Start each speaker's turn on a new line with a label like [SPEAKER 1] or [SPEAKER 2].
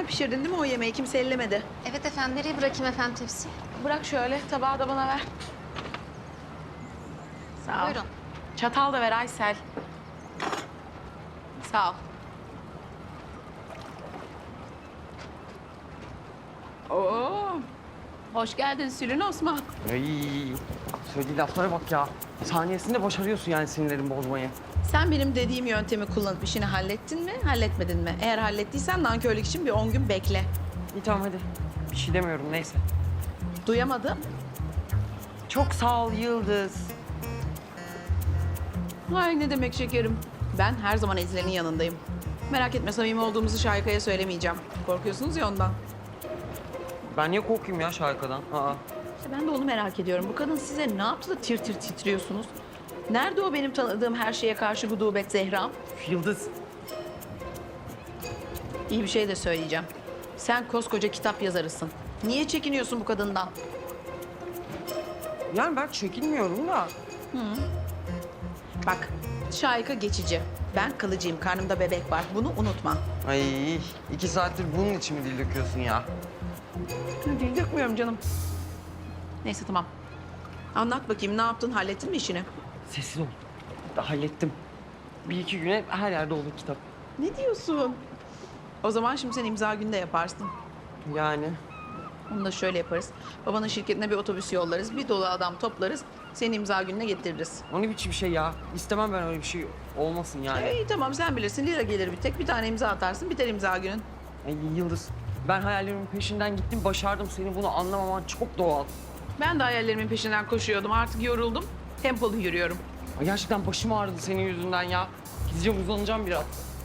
[SPEAKER 1] Sen pişirdin değil mi o yemeği? Kimse ellemedi.
[SPEAKER 2] Evet efendim, nereye bırakayım efendim tepsi?
[SPEAKER 1] Bırak şöyle, tabağı da bana ver. Sağ ol.
[SPEAKER 2] Buyurun.
[SPEAKER 1] Çatal da ver Aysel. Sağ ol. Oo, hoş geldin Sülün Osman.
[SPEAKER 3] Ay, söylediği laflara bak ya. Saniyesinde başarıyorsun yani sinirlerimi bozmayı.
[SPEAKER 1] Sen benim dediğim yöntemi kullanıp işini hallettin mi, halletmedin mi? Eğer hallettiysen nankörlük için bir 10 gün bekle.
[SPEAKER 3] İyi tamam hadi. Bir şey demiyorum neyse.
[SPEAKER 1] Duyamadım.
[SPEAKER 3] Çok sağ ol Yıldız.
[SPEAKER 1] Ay ne demek şekerim. Ben her zaman Ezile'nin yanındayım. Merak etme samimi olduğumuzu Şahika'ya söylemeyeceğim. Korkuyorsunuz ya ondan.
[SPEAKER 3] Ben niye korkayım ya Şahika'dan? Aa.
[SPEAKER 1] İşte ben de onu merak ediyorum. Bu kadın size ne yaptı da tir tir titriyorsunuz? Nerede o benim tanıdığım her şeye karşı gudubet Zehram?
[SPEAKER 3] Yıldız.
[SPEAKER 1] İyi bir şey de söyleyeceğim. Sen koskoca kitap yazarısın. Niye çekiniyorsun bu kadından?
[SPEAKER 3] Yani ben çekinmiyorum da.
[SPEAKER 1] Bak, Şahika geçici. Ben kalıcıyım. Karnımda bebek var. Bunu unutma.
[SPEAKER 3] Ay 2 saattir bunun için mi dil döküyorsun ya?
[SPEAKER 1] Dil dökmüyorum canım. Neyse tamam. Anlat bakayım ne yaptın? Hallettin mi işini?
[SPEAKER 3] Sessiz ol. Hallettim. 1-2 güne her yerde olur kitap.
[SPEAKER 1] Ne diyorsun? O zaman şimdi sen imza günde yaparsın.
[SPEAKER 3] Yani
[SPEAKER 1] Onu da şöyle yaparız. Babanın şirketine bir otobüs yollarız. Bir dolu adam toplarız. Seni imza gününe getiririz.
[SPEAKER 3] o ne biçim şey ya? İstemem ben öyle bir şey olmasın yani.
[SPEAKER 1] İyi tamam sen bilirsin. Lira gelir bir tek. Bir tane imza atarsın. Biter imza günün.
[SPEAKER 3] Ay Yıldız, ben hayallerimin peşinden gittim, başardım. Senin bunu anlamaman çok doğal.
[SPEAKER 1] Ben de hayallerimin peşinden koşuyordum. Artık yoruldum. Tempolu yürüyorum.
[SPEAKER 3] Ay gerçekten başım ağrıdı senin yüzünden ya. Gideceğim uzanacağım biraz.